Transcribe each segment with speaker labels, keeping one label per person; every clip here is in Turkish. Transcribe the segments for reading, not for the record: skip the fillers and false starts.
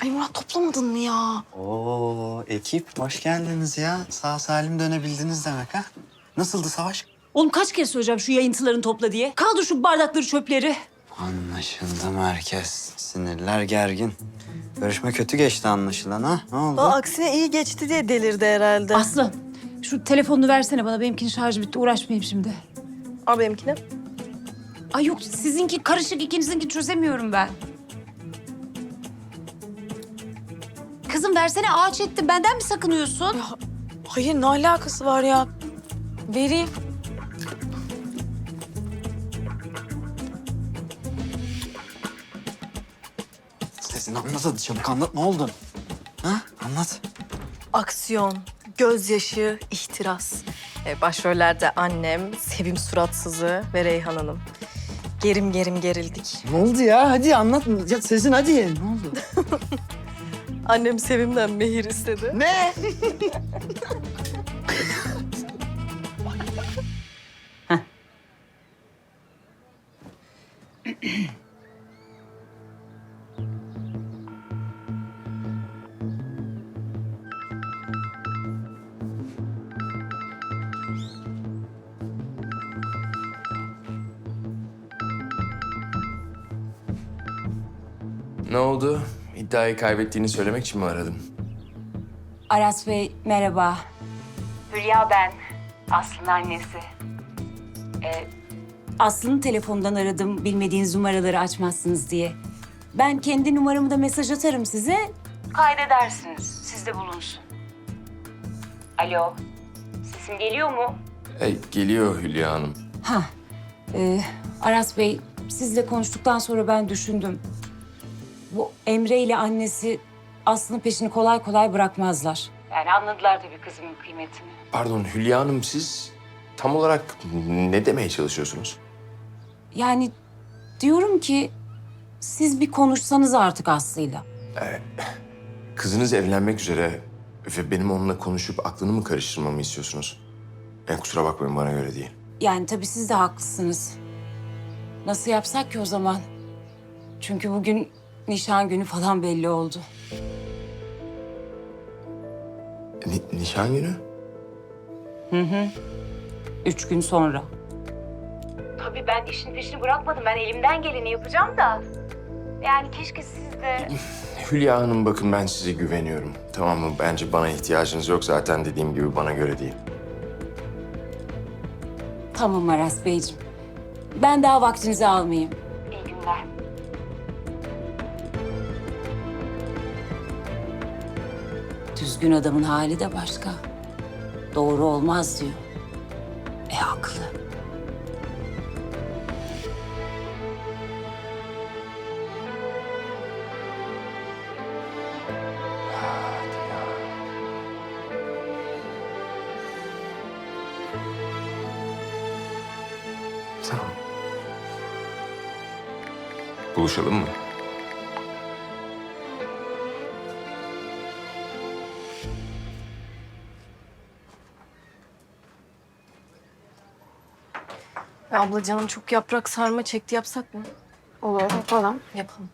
Speaker 1: Ay Murat toplamadın mı ya?
Speaker 2: Oo ekip hoş geldiniz ya. Sağ salim dönebildiniz demek ha. Nasıldı savaş?
Speaker 3: Oğlum kaç kez söyleyeceğim şu yayıntılarını topla diye. Kaldır şu bardakları, çöpleri.
Speaker 2: Anlaşıldı merkez. Sinirler gergin. Görüşme kötü geçti anlaşılan ha. Ne oldu?
Speaker 1: Aksine iyi geçti diye delirdi herhalde.
Speaker 3: Aslı şu telefonunu versene bana. Benimkinin şarjı bitti. Uğraşmayayım şimdi.
Speaker 1: Al benimkini.
Speaker 3: Ay yok sizinki karışık, ikinizinki çözemiyorum ben. Kızım versene, ağaç ettim. Benden mi sakınıyorsun?
Speaker 1: Hayır ne alakası var ya? Vereyim.
Speaker 2: Sesin anlat hadi çabuk anlat ne oldu? Ha anlat.
Speaker 1: Aksiyon, gözyaşı, ihtiras. Başrollerde annem, Sevim Suratsızı ve Reyhan Hanım. Gerim gerim gerildik.
Speaker 2: Ne oldu ya hadi anlat. Ya sesin hadi. Ne oldu?
Speaker 1: Annem Sevim'den mehir istedi.
Speaker 2: Ne?
Speaker 4: Ne oldu? İddiayı kaybettiğini söylemek için mi aradın?
Speaker 3: Aras Bey merhaba. Hülya ben. Aslı'nın annesi. Aslı'nın telefonundan aradım bilmediğiniz numaraları açmazsınız diye. Ben kendi numaramı da mesaj atarım size. Kaydedersiniz. Sizde bulunsun. Alo. Sesim geliyor mu?
Speaker 4: Geliyor Hülya Hanım.
Speaker 3: Aras Bey sizle konuştuktan sonra ben düşündüm. Bu Emre ile annesi Aslı'nın peşini kolay kolay bırakmazlar. Yani anladılar tabii kızımın kıymetini.
Speaker 4: Pardon Hülya Hanım, siz tam olarak ne demeye çalışıyorsunuz?
Speaker 3: Yani diyorum ki siz bir konuşsanız artık Aslı'yla.
Speaker 4: Kızınız evlenmek üzere ve benim onunla konuşup aklını mı karıştırmamı istiyorsunuz? Kusura bakmayın, bana göre değil.
Speaker 3: Yani tabii siz de haklısınız. Nasıl yapsak ki o zaman? Çünkü bugün nişan günü falan belli oldu.
Speaker 4: Nişan günü?
Speaker 3: 3 gün sonra. Tabii ben işin peşini bırakmadım. Ben elimden geleni yapacağım da. Yani keşke siz de...
Speaker 4: Hülya Hanım bakın, ben size güveniyorum. Tamam mı? Bence bana ihtiyacınız yok, zaten dediğim gibi bana göre değil.
Speaker 3: Tamam Aras Beyciğim. Ben daha vaktinizi almayayım. İyi günler. Düzgün adamın hali de başka. Doğru olmaz diyor. Haklı.
Speaker 4: Tamam. Buluşalım mı?
Speaker 1: Abla canım çok yaprak sarma çekti, yapsak mı?
Speaker 5: Olur, yapalım.
Speaker 1: Yapalım.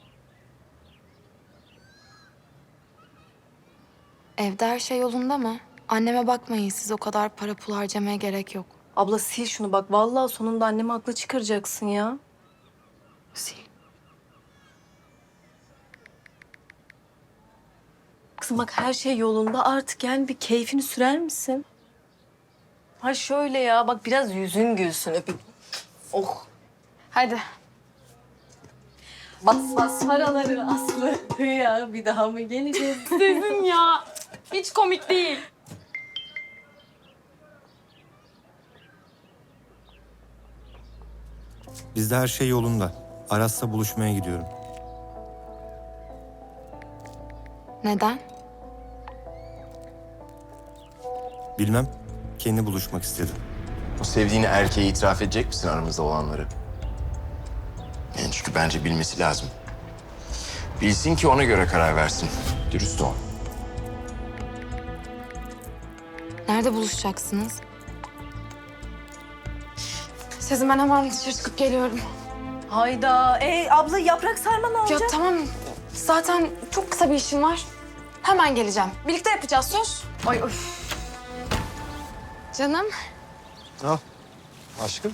Speaker 5: Evde her şey yolunda mı? Anneme bakmayın, siz o kadar para pul harcamaya gerek yok.
Speaker 1: Abla sil şunu bak. Vallahi sonunda annemi haklı çıkaracaksın ya.
Speaker 5: Sil.
Speaker 1: Kızım bak her şey yolunda artık, yani bir keyfini sürer misin? Ha şöyle ya, bak biraz yüzün gülsün öpeyim. Oh.
Speaker 5: Hadi.
Speaker 1: Bas bas paraları Aslı. Ya bir daha mı geleceğiz? Dedim ya. Hiç komik değil.
Speaker 6: Bizde her şey yolunda. Aras'la buluşmaya gidiyorum.
Speaker 5: Neden?
Speaker 6: Bilmem, kendi buluşmak istedim.
Speaker 4: O sevdiğini erkeğe itiraf edecek misin aramızda olanları? Yani çünkü bence bilmesi lazım. Bilsin ki ona göre karar versin. Dürüst ol.
Speaker 5: Nerede buluşacaksınız? Sezin, ben hemen dışarı çıkıp geliyorum.
Speaker 1: Hayda. Abla yaprak sarma ne
Speaker 5: Ya
Speaker 1: olacak?
Speaker 5: tamam, Zaten çok kısa bir işim var. Hemen geleceğim. Birlikte yapacağız, söz. Ay öf. Canım.
Speaker 7: Al. Aşkım.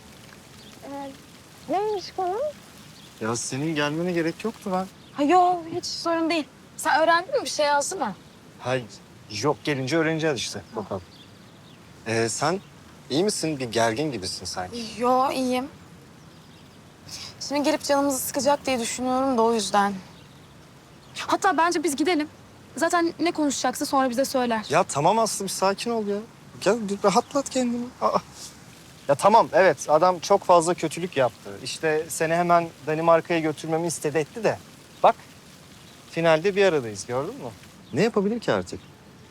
Speaker 5: Neymiş konu?
Speaker 7: Ya senin gelmene gerek yoktu ben.
Speaker 5: Ha yok, hiç sorun değil. Sen öğrendin mi? Bir şey yazdı mı?
Speaker 7: Hayır. Yok gelince öğreneceğiz işte. Bakalım. Sen iyi misin? Bir gergin gibisin sanki.
Speaker 5: Yo, iyiyim. Şimdi gelip canımızı sıkacak diye düşünüyorum da o yüzden. Hatta bence biz gidelim. Zaten ne konuşacaksa sonra bize söyler.
Speaker 7: Ya tamam Aslı bir sakin ol ya. Gel bir rahatlat kendini. Aa. Ya tamam evet adam çok fazla kötülük yaptı. İşte seni hemen Danimarka'ya götürmemi istedi etti de. Bak finalde bir aradayız gördün mü? Ne yapabilir ki artık?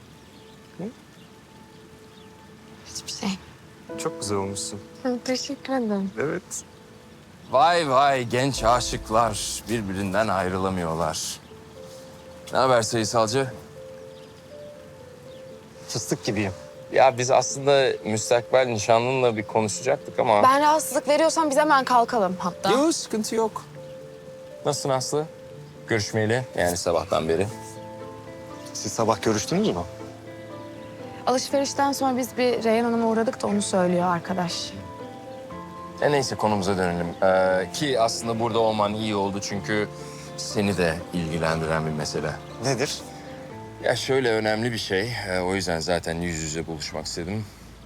Speaker 5: Hiçbir şey.
Speaker 7: Çok güzel olmuşsun.
Speaker 5: Teşekkür ederim.
Speaker 7: Evet.
Speaker 4: Vay vay genç aşıklar birbirinden ayrılamıyorlar. Ne haber sayısalcı?
Speaker 7: Fıstık gibiyim.
Speaker 4: Ya biz aslında müstakbel nişanlınla bir konuşacaktık ama...
Speaker 5: Ben rahatsızlık veriyorsam biz hemen kalkalım hatta.
Speaker 4: Yok sıkıntı yok. Nasılsın Aslı? Görüşmeyeli yani sabahtan beri.
Speaker 7: Siz sabah görüştünüz mü?
Speaker 5: Alışverişten sonra biz bir Reyhan Hanım'a uğradık da onu söylüyor arkadaş.
Speaker 4: Neyse konumuza dönelim. Ki aslında burada olman iyi oldu çünkü seni de ilgilendiren bir mesele.
Speaker 7: Nedir?
Speaker 4: Ya şöyle önemli bir şey. O yüzden zaten yüz yüze buluşmak istedim.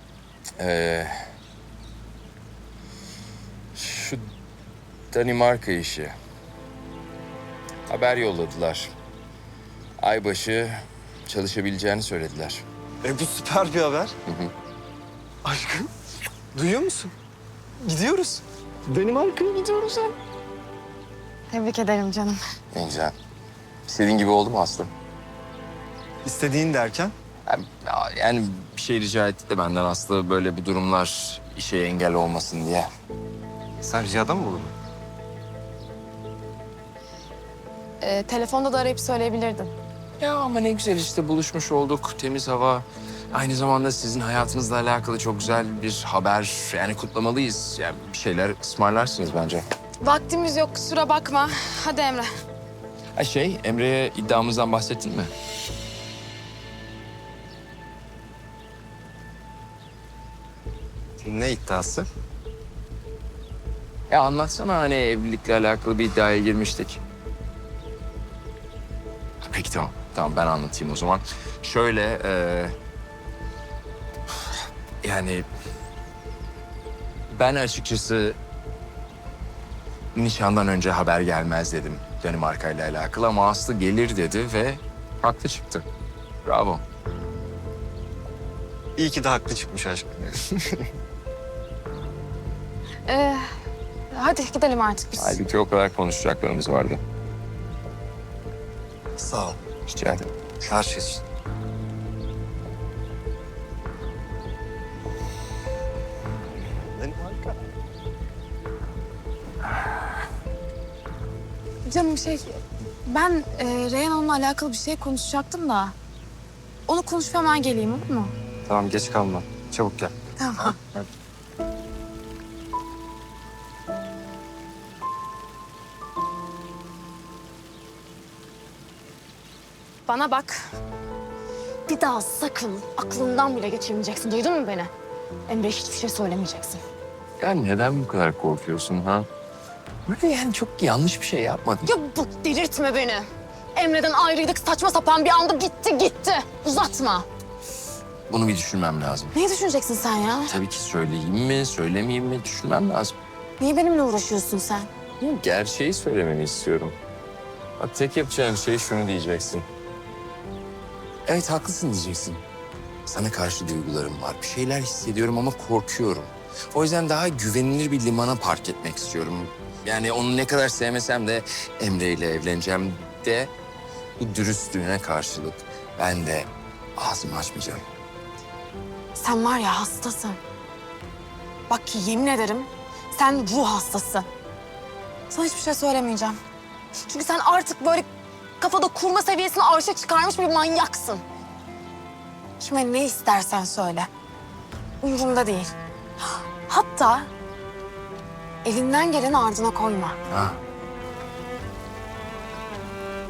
Speaker 4: Şu Danimarka işi. Haber yolladılar. Aybaşı çalışabileceğini söylediler.
Speaker 7: Bu süper bir haber.
Speaker 4: hı.
Speaker 7: Aşkım, duyuyor musun? Gidiyoruz. Danimarka'ya gidiyoruz ya.
Speaker 5: Tebrik ederim canım.
Speaker 4: Ne güzel. İstediğin gibi oldu mu Aslı?
Speaker 7: İstediğin derken?
Speaker 4: Yani bir şey rica etti de benden Aslı böyle bir durumlar işe engel olmasın diye.
Speaker 7: Sen ricada mı bulundun?
Speaker 5: Telefonda da arayıp söyleyebilirdin.
Speaker 4: Ya ama ne güzel işte buluşmuş olduk. Temiz hava. Aynı zamanda sizin hayatınızla alakalı çok güzel bir haber. Yani kutlamalıyız. Yani bir şeyler ısmarlarsınız bence.
Speaker 5: Vaktimiz yok, kusura bakma. Hadi Emre.
Speaker 4: Emre'ye iddiamızdan bahsettin mi?
Speaker 7: Ne iddiası?
Speaker 4: Ya anlatsana hani evlilikle alakalı bir iddiaya girmiştik. Peki tamam. Tamam ben anlatayım o zaman. Şöyle yani ben açıkçası nişandan önce haber gelmez dedim Danimarka ile alakalı ama Aslı gelir dedi ve haklı çıktı. Bravo.
Speaker 7: İyi ki de haklı çıkmış aşkım.
Speaker 5: Hadi gidelim artık biz.
Speaker 4: Halbuki o kadar konuşacaklarımız vardı.
Speaker 7: Sağ ol.
Speaker 4: Rica ederim.
Speaker 7: Her şey için. Danimarka.
Speaker 5: Canım ben Reyhan Hanım'la alakalı bir şey konuşacaktım da. Onu konuşup hemen geleyim, olur mu?
Speaker 7: Tamam geç kalma. Çabuk gel.
Speaker 5: Tamam. Bana bak. Bir daha sakın aklından bile geçirmeyeceksin. Duydun mu beni? Emre hiçbir şey söylemeyeceksin.
Speaker 4: Ya neden bu kadar korkuyorsun ha? Böyle yani çok yanlış bir şey yapmadın.
Speaker 5: Ya bak delirtme beni. Emre'den ayrıydık saçma sapan bir anda gitti. Uzatma.
Speaker 4: Bunu bir düşünmem lazım.
Speaker 5: Neyi düşüneceksin sen ya?
Speaker 4: Tabii ki söyleyeyim mi, söylemeyeyim mi düşünmem lazım.
Speaker 5: Niye benimle uğraşıyorsun sen?
Speaker 4: Gerçeği söylemeni istiyorum. Bak tek yapacağım şey şunu diyeceksin. Evet haklısın diyeceksin. Sana karşı duygularım var. Bir şeyler hissediyorum ama korkuyorum. O yüzden daha güvenilir bir limana park etmek istiyorum. Yani onu ne kadar sevmesem de Emre ile evleneceğim de bu dürüstlüğüne karşılık ben de ağzımı açmayacağım.
Speaker 5: Sen var ya hastasın. Bak ki yemin ederim sen ruh hastası. Sana hiçbir şey söylemeyeceğim. Çünkü sen artık böyle kafada kurma seviyesine arşa çıkarmış bir manyaksın. Şimdi ne istersen söyle. Umurumda değil. Hatta elinden geleni ardına koyma.
Speaker 4: Ha.